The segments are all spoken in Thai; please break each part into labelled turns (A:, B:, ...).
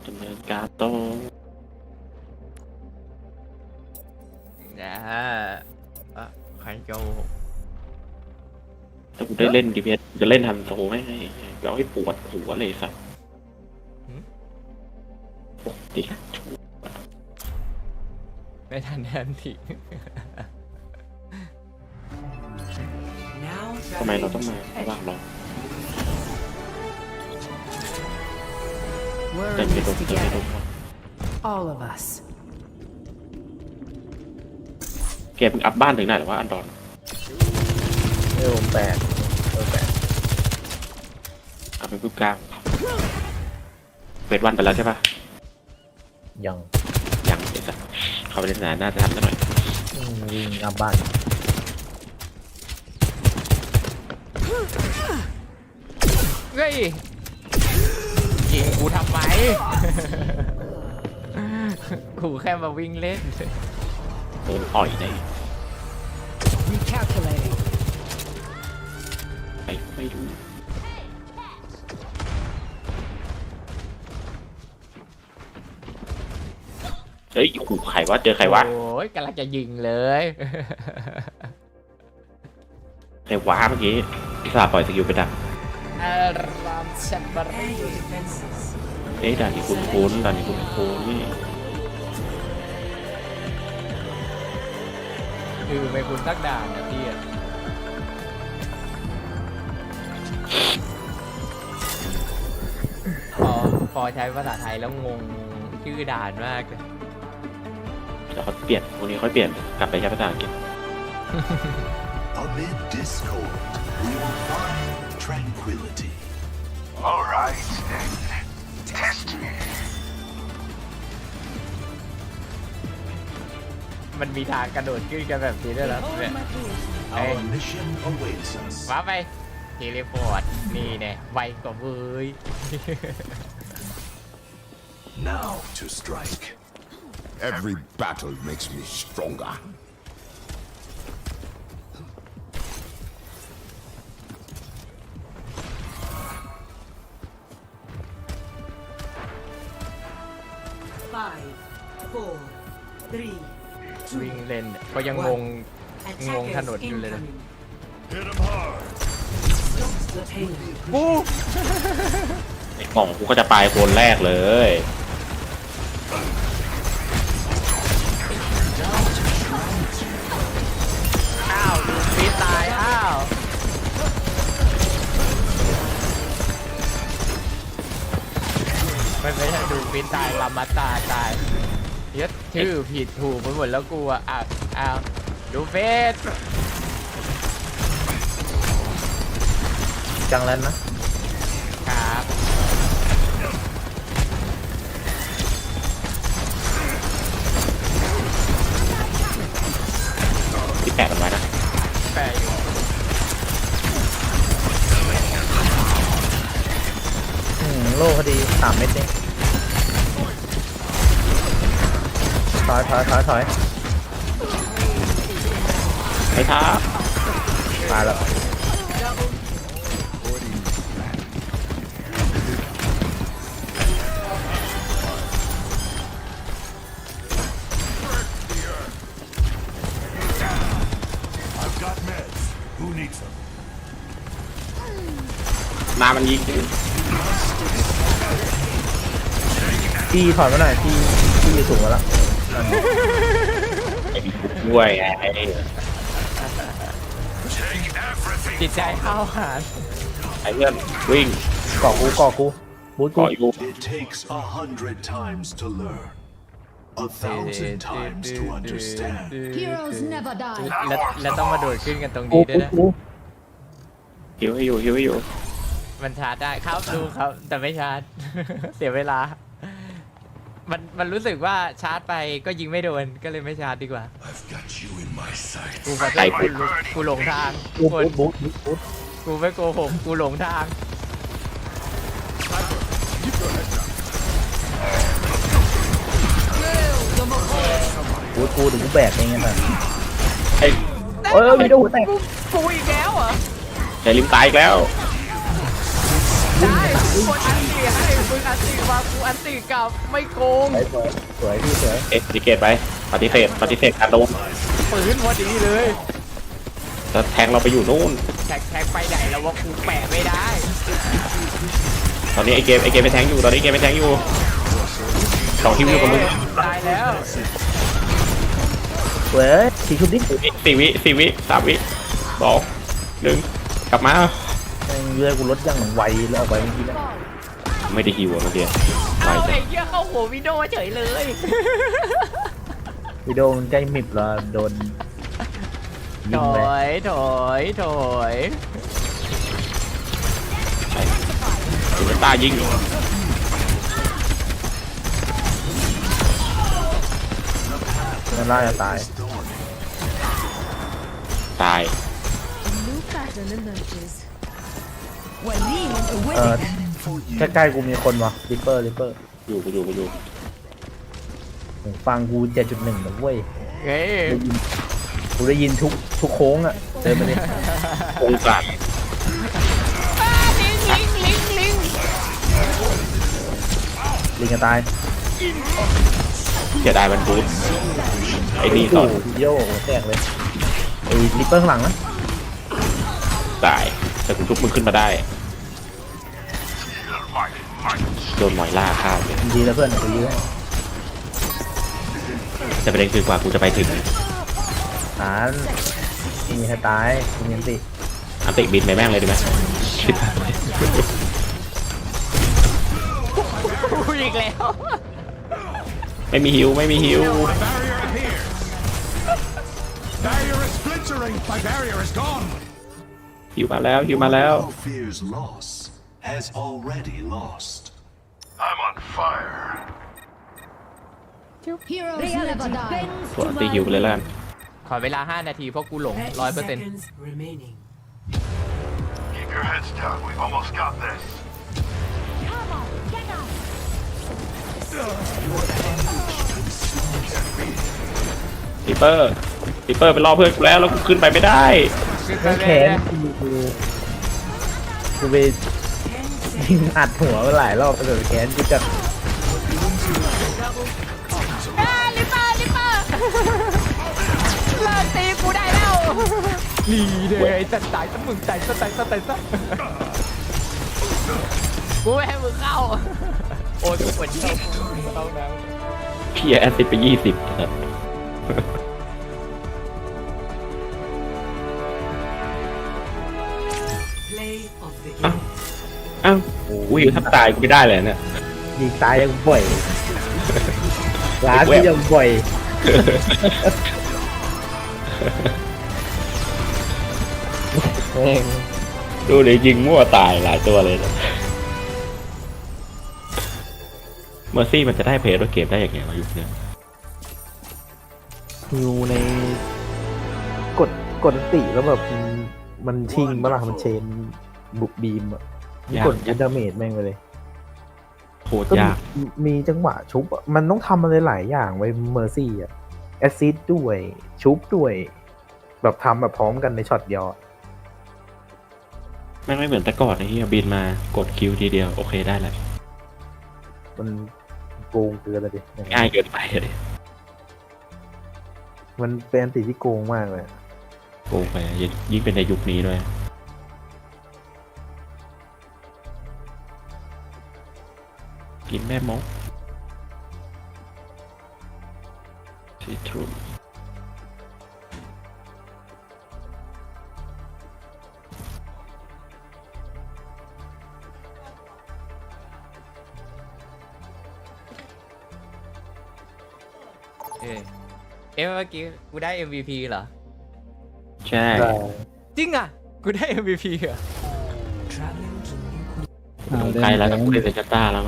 A: ดำเนินการต่อ
B: นะฮะใครโจ
A: ถ้ากูได้เล่นดีเพสจะเล่นทันโซไม่ให้เราให้ปวดหัวเลยสัตว์ปกติ
B: ไม่ทันแทนที
A: ทำไมเราต้องมาระหว่างรอเต็มไปหมดเต็มไปหมด
C: All of us.
A: แกเพิ่งอัพบ้านถึงไหนหรือว่าอันดอน
D: 8
A: อัพไปปุ๊บกลางเปิดวันไปแล้วใช่ปะ
D: ยัง
A: ยังเดี๋ยวสัตว์เข้าไปเล่นนานน่าจะทำได้หน่อย
D: วิ่งอัพบ้าน
B: เฮ้ยยิงกูทำไม กูแค่มาวิ่งเล่น
A: โดนอ่อยได้
C: Recalculating.
A: ไปไม่รู้เฮ้ยขู่ใครวะเจอใครวะ
B: โอ้ยกำลังจะยิงเลย
A: ใครวะเมื่อกี้พิศาปล่อยสกิลไปดัก
B: อารามแซมบารี
A: เอ๊ะด่านนี้คุ้นๆด่านนี้คุ้นๆนี่
B: คือไม่คุณสักด่านนะพี่อะพอใช้ภาษาไทยแล้วงงชื่อด่านมากเลย
A: เดี๋ยวเขาเปลี่ยนวันนี้ค่อยเปลี่ยนกลับไปใช้ภาษาอังกฤษ
E: Amid discord, we will find tranquility. All right, then. Test me.
B: มันมีทางกระโดดขึ้นกันแบบนี้ด้วยเหรอเนี่ย
E: Our mission awaits us.
B: ว้าไปเทเลพอร์ตนี่เนี่ยไวกว่าเว้ย
E: Now to strike.
F: Every battle makes me stronger.
C: Five, four, three,
B: วิ่งเล่นก็ยังงง ถนนอยู่เลยนะ
E: Hit him hard.
C: Stop the pain.
B: กู
A: ไอ้กล่องกูก็จะปลายคนแรกเลย
B: อ้าวดูฟีตายอ้าวไม่ใช่ดูฟีตายลามาตาตายยึดชื่อผิดถูกไปหมดแล้วกูอ่ะอ้าวดูเฟส
D: จังแล้วนะครับ
A: ที่แปะกันไว้นะ
B: แปลอยู่
D: โล่พอดี3 เม็ดนี่ถอย
A: ไอ้ท้า
D: ตายแล้ว
E: I've got meds. Who needs them?
A: นามันยิง
D: พี่ถอยมาหน่อยพี่อยู่สูงแล้ว
A: ไอ้บิ๊กด้วยไงไอ้
E: Take everything.
B: จิตใจเข้าหา
A: ไอ้เพื่อนวิ่ง
D: ก่อกูบูทกู
A: เกาะอยู่
E: It takes 100 times to learn. 1,000 times to understand.
C: Heroes never die.
B: แล้วต้องมาโดดขึ้นกันตรงนี้ด้วยนะ
A: หิวให้อยู่
B: มันชาร์จได้ครับดูครับ แต่ไม่ชาร์จ เสียเวลา มันรู้สึกว่าชาร์จไปก็ยิงไม่โดนก็เลยไม่ชาร์จดีกว่า
E: I've got you in my sight.
B: กูขอโทษกูหลงทาง
D: บู
B: คน
D: ท
B: กูไม่โกหกกูหลงทาง
D: บูทกูเดี๋ยวกูแบกเองไงมัน
A: ไอ้
D: มีโดนหัวแตก
B: กูอีกแล้วเหรอ
A: ไอ้ลิมตายอีกแล้ว
B: ได้คนอันเดียให้มึงอันติมากูอันติกลับไม่โกง
D: สวยสวยพี่สวย
A: ปฏิเกตไปปฏิเสธการโดน
B: ปืนพอดีเลย
A: แล้วแทงเราไปอยู่นู่น
B: แท็กไปไหนแล้วว่ากูแปะไม่ได้
A: ตอนนี้ไอเกมไปแทงอยู่ตอนนี้เกมไปแทงอยู่สองคิวอยู่กับมึง
B: ตายแล้ว
D: เว้ยสีชุบดิ
A: 4 วิ3 วิ2 1กลับมา
D: แม่งเรือกูลดอย่างไวแล้วออกไปเมื่อกี้นะ
A: ไม่ได้ฮิวอะเมื่อกี้ไป
B: เอา
A: จ้ะ
B: ไอ้เหี้ยเข้าหัววิดีโอเฉยเลย
D: วิดีโอมันใกล้มิบแล้วโดนยิ
B: ถ
D: งเลย
B: อยถอยถอย
A: ถึงตายิง
D: มันน่าจะตาย
A: ตาย
C: New pattern emerges.
D: เออใกล้ๆกูมีคนวะริปเปอร์
A: อยู่กูอยู่
D: ฟังกู 7.1นะเว้ย
B: เฮ้ย
D: กูได้ยินทุกโค้งอ่ะเดินไปดิ
A: องศา
D: ลิงจะตาย
A: เสียดายมันบูทไอ้นี่ก่อน
D: โโหโย่แตกเลยไอ้ริปเปอร์ข้างหลังนะ
A: ตายแต่กูทุบมึงขึ้นมาได้โดนหมอยล่าฆ่าเลย
D: ดีแล้วเพื่อนกูยื้อให้
A: แต่ประเด็นคือกว่ากูจะไปถึง
D: ฐานมีใครตายมีอันติ
A: อันติบินไปแม่งเลยดีไหม
B: กูอีกแล้ว
A: ไม่มีฮิว
E: Barrier appears. Barrier is splintering. My barrier is gone.
A: ฮิวมาแล้ว
E: Who fears loss has already lost. I'm on fire.
C: Heroes never die.
A: ส่วนอันติฮิวไปเลยแล้วกัน
B: ขอเวลา 5 นาทีเพราะกูหลง
C: 30
B: 100%
C: seconds remaining.
E: Keep your heads down. We've almost got this.
A: ริปเปอร์ไปรอเพื่อนกูแล้วกูขึ้นไปไม่ได้
D: แม่งแขนกูไปยิงอัดหัวมาหลายรอบกระโดดแขนกูจะ
B: ลิปเปอร์เลิกตีกูได้แล้วนี่เลยจะตายซะมึงตายซะกูไม่ให้มึงเข้า โอ้ยกูปวดเชี่ยวเข้าแล้ว
A: พี่แอสซิดไป20ครับ
C: Play of the game.
A: อ้าวอุ้ยถ้าตายกูไม่ได้เลยเนี่ย
D: ยิงตายยังบ่อยร้านที่ยังบ่อยแม่ง
A: ดูเลยยิงมั่วตายหลายตัวเลยนะเมอร์ซี่มันจะได้เพลย์ด้วยเกมได้อย่างไงวะยุคเนี้ย
D: ฮิวในกดติแล้วแบบมันชิงเมื่อไหร่มันเชนบุกบีมอ่ะกดยัดดาเมจแม่งไปเลย
A: โคตร
D: ก็
A: ยาก
D: มีจังหวะชุบอะมันต้องทำอะไรหลายอย่างไว้เมอร์ซี่อ่ะแอซซิดด้วยชุบด้วย แบบทำแบบพร้อมกันในช็อตเดียวอะ
A: แม่งไม่เหมือนแต่ก่อนไอ้เหี้ยบินมากดคิวทีเดียวโอเคได้แล้ว
D: มันโกงเกินเลยดิ
A: ง่ายเกินไปเลย
D: มันเป็นอันติที่โกงมากเลย
A: โกงไปยิ่งเป็นในยุคนี้ด้วยกินแม่มกซีทรู
B: เมื่อกี้กูได้ MVP เหรอ
A: ใช่
B: จริงอ่ะ กูได้ MVP เหรอ
A: ลงใกล้แล้วก็เล่นเซนต้าแล้วก็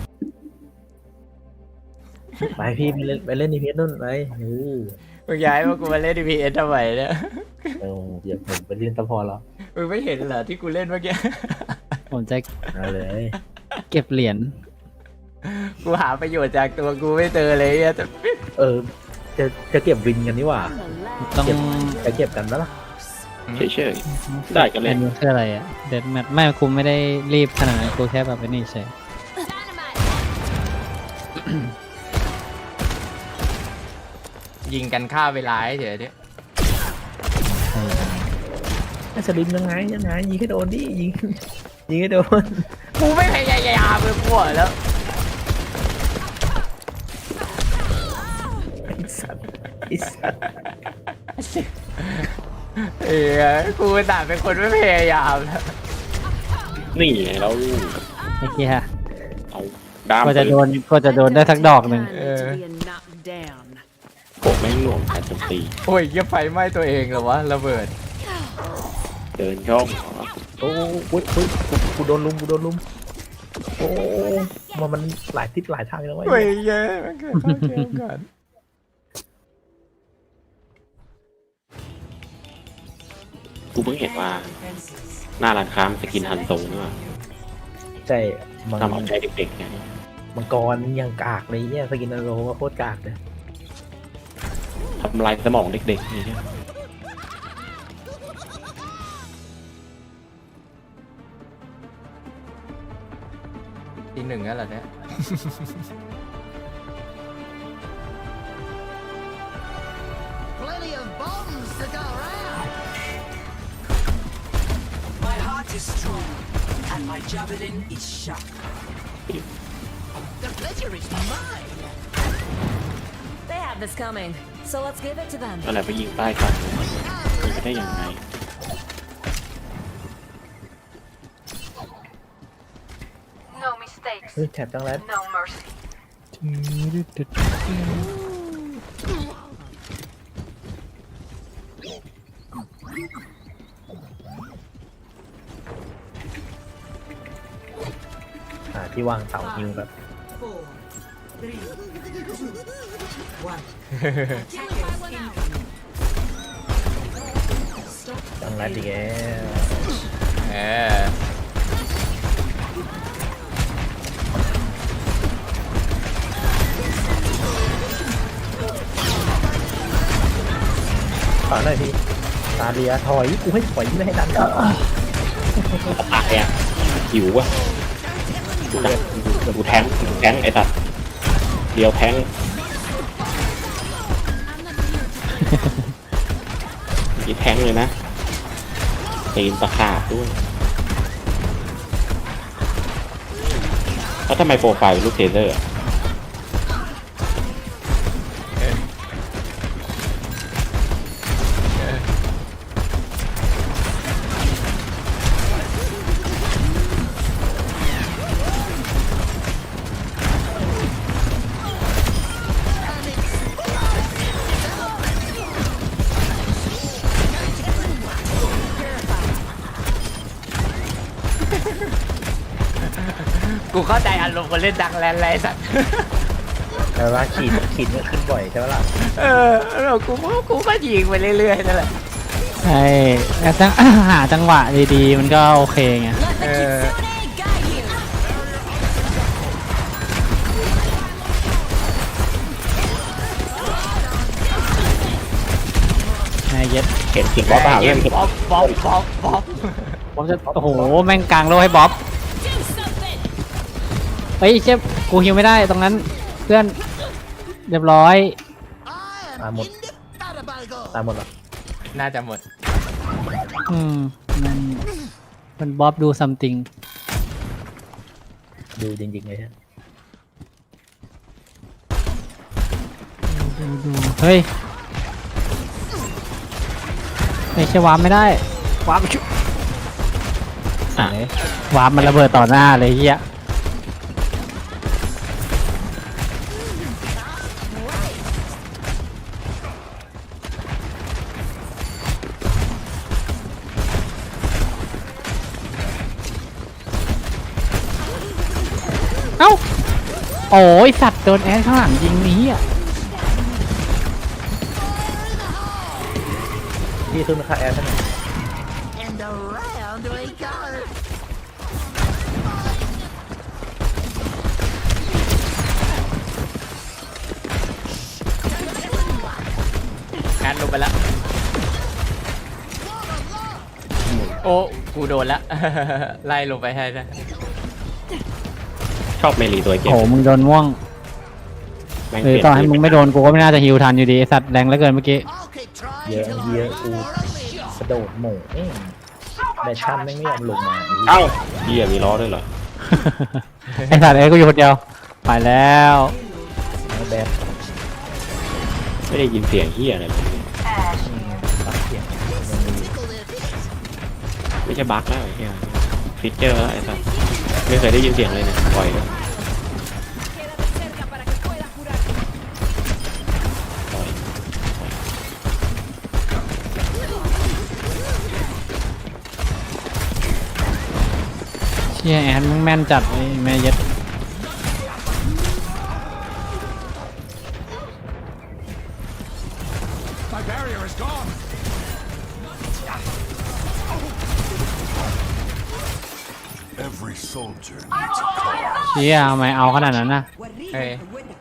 D: ไปพี่ไปเล่นดีเพสนู่นไป
B: มึงย้ายมากูมาเล่น DPS ทำไมเนี่ย
D: เดี๋ยวผมไปเล่นตะพอแล้ว
B: มึงไม่เห็นเหรอที่กูเล่นเมื่อกี้
G: ผมจะ
D: เอาเลย
G: เก็บเหรียญ
B: กูหาประโยชน์จากตัวกูไม่เจอเลยอะแต่
D: จะเก็บวินกันนี่หว่า
G: ต้อง
D: จะเก็บกันแล้วล่ะ
A: เฉยๆได้ก็เล่น
G: อัคืออะไรอ่ะเดดแมทไม่กูไม่ได้รีบขนาดนั้นกูแค่แบบไอ้นี่เฉย
B: ยิงกันฆ่าเวลาเฉยๆดิ
D: ไอ้สลิมยังไงยิงให้โดนดิยิงให้โดน
B: กูไม่พยายามเลยกูบอกแล้ว
D: ไอ้สัตว์
B: กูแต่เป็นคนไม่พยายามแล้ว
A: นี่ไงเรา
G: ไอ้เหี้ย
A: เอาด้าม
G: ก็จะโดนได้สักดอกหนึ่ง
C: To be knocked down.
A: โกะแม่งหน่วงการโจมตี
B: โอ้ยยังไฟไหม้ตัวเองเหรอวะระเบิด
A: เดินช่อง
D: โอ้ยกูโดนลุมโอ้มันหลายทิศหลายทางแล้วเว้ย
B: เฮ้ยเย้มันเกิดเข้าเกมก่อน
A: กูเพิ่งเห็นว่าหน้าร้านค้ามันสกินฮันโซนี่ว่า
D: ใช่มัง
A: ทำเอาใจเด็กๆไง
D: มังกรยังกากเลยเนี่ยสกินนาโรก็โคตรกากเลย
A: ทำลายสมองเด็กๆนี่เนี่ย
B: ทีหนึ่งแล้วเหรอเนี่ย
C: Plenty of bombs to go around.
H: My heart is strong, and my javelin is sharp.
C: The pleasure is mine.
I: They have this coming, so let's give it to them.
A: อะไรไปยิงป้ายก่อนยิงไปได้ยังไง
I: No mistakes,
D: เฮ้ยแถบจังแล้ว
I: no mercy.
D: ที่วางเสาฮิวแบบ
C: 4, 3, 2, 1.
D: จังแล้วดีแก
B: เออ
D: ต่อหน่อยพี่ตาเลียถอยกูให้ถอยไม่ให้ดัน
A: ตายอ่ะหิวอ่ะกูแทงไอ้สัตว์เดียวแทงนี่แทงเลยนะตีนตะขาบด้วยแล้วทำไมโปรไฟล์ลูกเทเซอร์อะ
B: กูเข้าใจอารมณ์คนเล่นดังแลนด์ไรสัตว์
D: แต่ว่าขีดมันขึ้นบ่อยใช่ไหมล่ะ
B: แล้วกูก็ยิงไปเรื่อยๆนั่นแหละ
G: ใช่แล้วหาจังหวะดีๆ มันก็โอเคไง
I: Let the kitsune guide you.
G: ไอ้เย็ด
A: เห็นเสียงบ๊อบเปล่า
B: เก
A: เล่
B: ม
A: นเห็น
B: บ๊อบ
G: บ๊อบจะโอ้โหแม่งกลางโลกให้บ๊อบ
I: Do something.
G: เฮ้ยเชฟกูฮิวไม่ได้ตรงนั้นเพื่อนเรียบร้อย
D: ตายหมดหรอ
B: น่าจะหมด
G: มันบ๊อบดูซัมติง
D: ดูจริงๆเลยฮะ
G: ดูเฮ้ยไม่ใช่วาร์ปไม่ได้วาร์ปชุวาร์ปมันระเบิดต่อหน้าเลยเฮียเอ้าโอ้ยสัตว์โดนแอดข้างหลังยิงนี้อ่ะ
D: พี่ขึ้นมาค่าแอร์ท่าน
C: And around we go.
B: งานลงไปแล้ว โอ้ กูโดนละ ไล่ลงไปให้นะ
A: ชอบเมลีตัวเกม
G: โหมึงโดนม่วง
A: ม่ง
G: หรือต่อให้มึงไม่โดนกูก็ไม่น่าจะฮิวทันอยู่ดีไอ้สัตว์แรงเหลือเกินเมื่อกี้
C: I'll keep trying
D: เยอะ
C: till
D: เยอะ
C: I'm
D: กู
C: more alive.
D: กระโดดโหม่เอ้ยแบชชั่นไม่ยอมลงมา
A: เอ้าเหี้ยมีล้อด้วยเหรอ
G: ไอ้สัตว์เอ้ยกูอยู่คนเดียวไปแล้ว
D: แบช
A: ไม่ได้ยินเสียงเหี้ยอะไรเลย
D: ตัดเสียง
A: ไม่ใช่บั๊กแล้วไอ้เหี้ยฟิกเจอร์แล้วไอ้สัสไม่เคยได้ยินเสียงเลยเนี่ยปล่อยเลยปล่อย
G: เชี่ยแอนมึงแม่นจัดไอ้แม่เย็ด
E: My barrier is gone. Every soldier needs a cause.
G: เชี่ยทำไมเอาขนาดนั้นนะ
B: เฮ้ย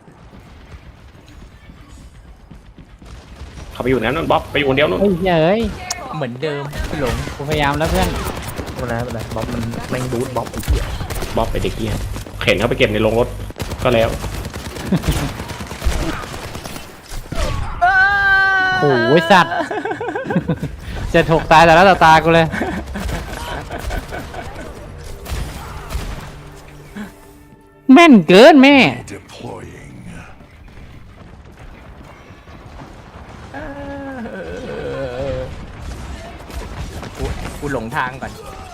A: เขาไปอยู่นั้นนู่นบ๊อบไปอยู่คนเดียวนู่น
G: เฮ้ยเอ้ย
B: เหมือนเดิมพี่หลง
G: กูพยายามแล้วเพื่อน
D: ไม่เป็นไรบ๊อบมันแม่งดูดบ๊อบไอ้เหี้ย
A: บ๊อบไปเด็กเหี้ยเข็นเขาไปเก็บในโรงรถก็แล้ว
G: โอ้ยสัตว์ จะถกตายแต่ละตากูเลย แม่นเกินแม่
E: Deploying.
B: กูหลงทางก่อน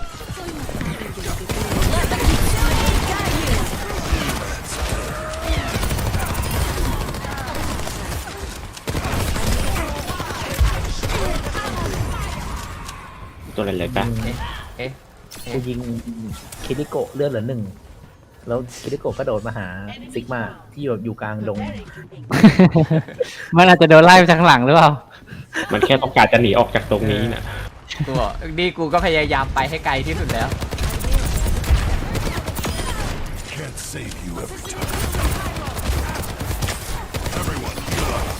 A: ตัวอะไรเลยปะ
B: เอ๊ะ
D: กูยิงคิริโกะเลือดเหลือ1แล้วคิริโกะก็โดดมาหาซิกมาที่อยู่กลางดง
G: มันอาจจะโดนไล่ไปทางหลังหรือเปล่า
A: มันแค่ต้องการจะหนีออกจากตรงนี้น่ะ
B: กูบอกนี่กูก็พยายามไปให้ไกลที่สุดแล้ว
E: Can't save you every time. Everyone, heal up.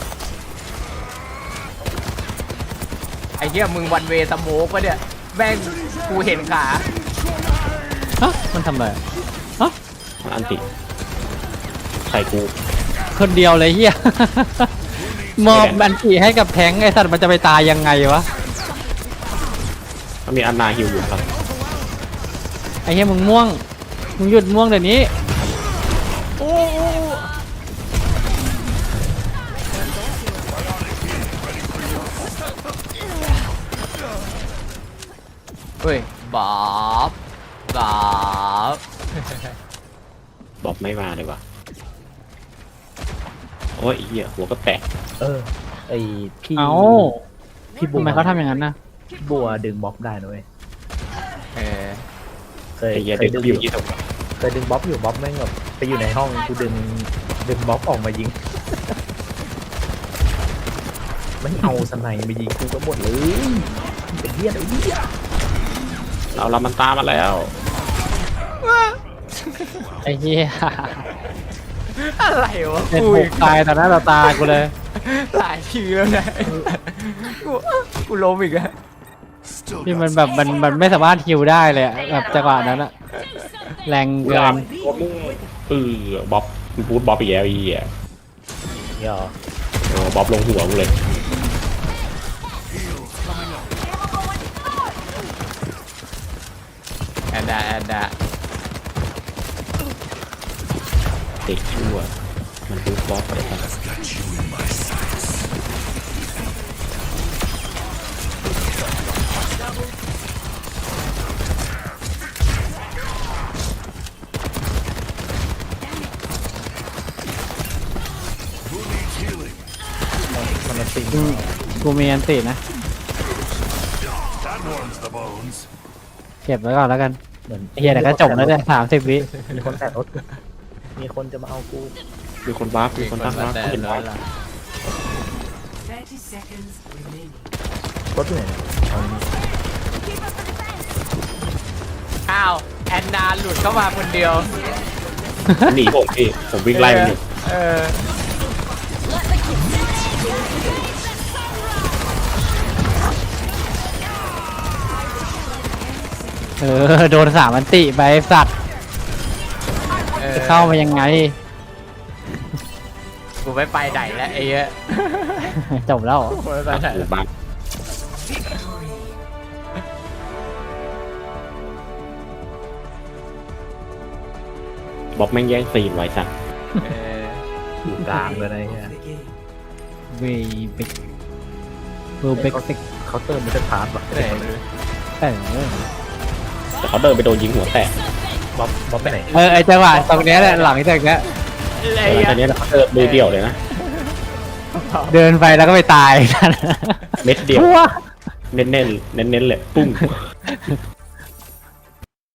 B: ไอ้เหี้ยมึงวันเวสโมกปะเนี่ยแม่งกูเห็นขา
G: ฮะ มันทำอะไรฮะ
A: มันอันติใส่กู
G: คนเดียวเลยเฮีย มอบบันทีให้กับแทงค์ไอสัตว์มันจะไปตายยังไงวะ
A: มันมีอันนาฮิวอยู่ครับ
G: ไอเฮียมึงม่วง มึงหยุดม่วงเดี๋ยวนี้
B: เฮ้ยบ๊อบบ๊อบ
A: บ๊อบไม่มาเลยว่ะโอ้ยเหี้ยหัวก็แตก
D: ไอพี่
G: เอ้า
D: พี่บัว
G: ทำไมเขาทำอย่างนั้นนะ
D: พี่บัวดึงบ๊อบได้นะเว้ย
B: เออ
D: เคย
A: ไอ้เหี้ย
D: เค
A: เด็
D: ย
A: ก
D: ดึง
A: อ
D: อยู่ ยู่
A: ที่ตรง
D: เคยดึงบ๊อบอยู่บ๊อบแม่งแบบไปอยู่ในห้องกูดึงบ๊อบออกมายิง ไม่เอาสไนมายิงกูก็หมดเลยเป็นเหี้ยอะไรเนี่ย
A: เรามันตามมาแล้ว
G: ไอเฮีย
B: อะไรวะ
G: เป็น
B: กู
G: ถูกตายต่อหน้าต่อตากูเลย
B: หลายทีแล้วนะกูล้มอีกแล้ว
E: Still
G: ที่
E: got
G: มันแบบมันไม่สามารถฮิวได้เลยอะแบบจังหวะนั้นอะแรงเกิน
A: บ๊อบมึงพูดบ๊อบอีกแล้วไอ้เหี้ย
D: เนี่ยเหรอ
A: บ๊อบลงหัวกูเลย
B: แอนดาแอนดา
A: เด็กชั่วมันพูดบ๊อบไปครับ
E: got you in my sights.
D: มันมาติง
G: กูมีอันตินะ
E: That warms the bones.
G: เก็บไว้ก่อนแล้วกัน
D: เหมือน
G: ไอ้เฮียเดี๋ยวก็จบแล้วเนี่ย30 วิ
D: มีคนแตะรถมีคนจะมาเอากู
A: มีคนบ้ามีคนตั้งบ้า
B: แต่
A: เห็น
B: ร้
A: ไว้
B: อยละ
H: 30 seconds remaining.
D: รถอยู่ไหนเนี่ยเอานี่
B: อ้าวแอนนาหลุดเข้ามาคนเดียว
A: หนีผมพี่ผมวิ่งไล่มันอยู่
B: เออ
G: โดน3อันติไปไอ้สัตว์
B: เออ
G: จะเข้ามายังไง
B: กูกูไม่ไปไหนแล้วไอ้เหี้ย
G: จบแล้ว
B: กูไม่ไปไหนแล้ว
A: บ้านบ๊อบแม่งแย่งซีนไว้สัก
D: อยู่กลางเลยนะเนี่ย
G: เวเบกเวเบกเซ็ก
D: เขาเติมไม่ได้พาร์ทหรอก
G: เออ
A: แต่เขาเดินไปโดนยิงหัวแตก
D: บ๊อบไปไหน
G: ไอจังหวะตรงเนี้ยแหละหลังจากเนี้ย
B: ไอ้
A: แต่
B: เหี้ย
A: ตอนนี้เขาเดินมือเดียวเลยนะ
G: เดินไปแล้วก็ไปตาย
A: เม็ดเดียว
G: ทั่ว
A: เน้นๆเน้นๆเลยปุ้ง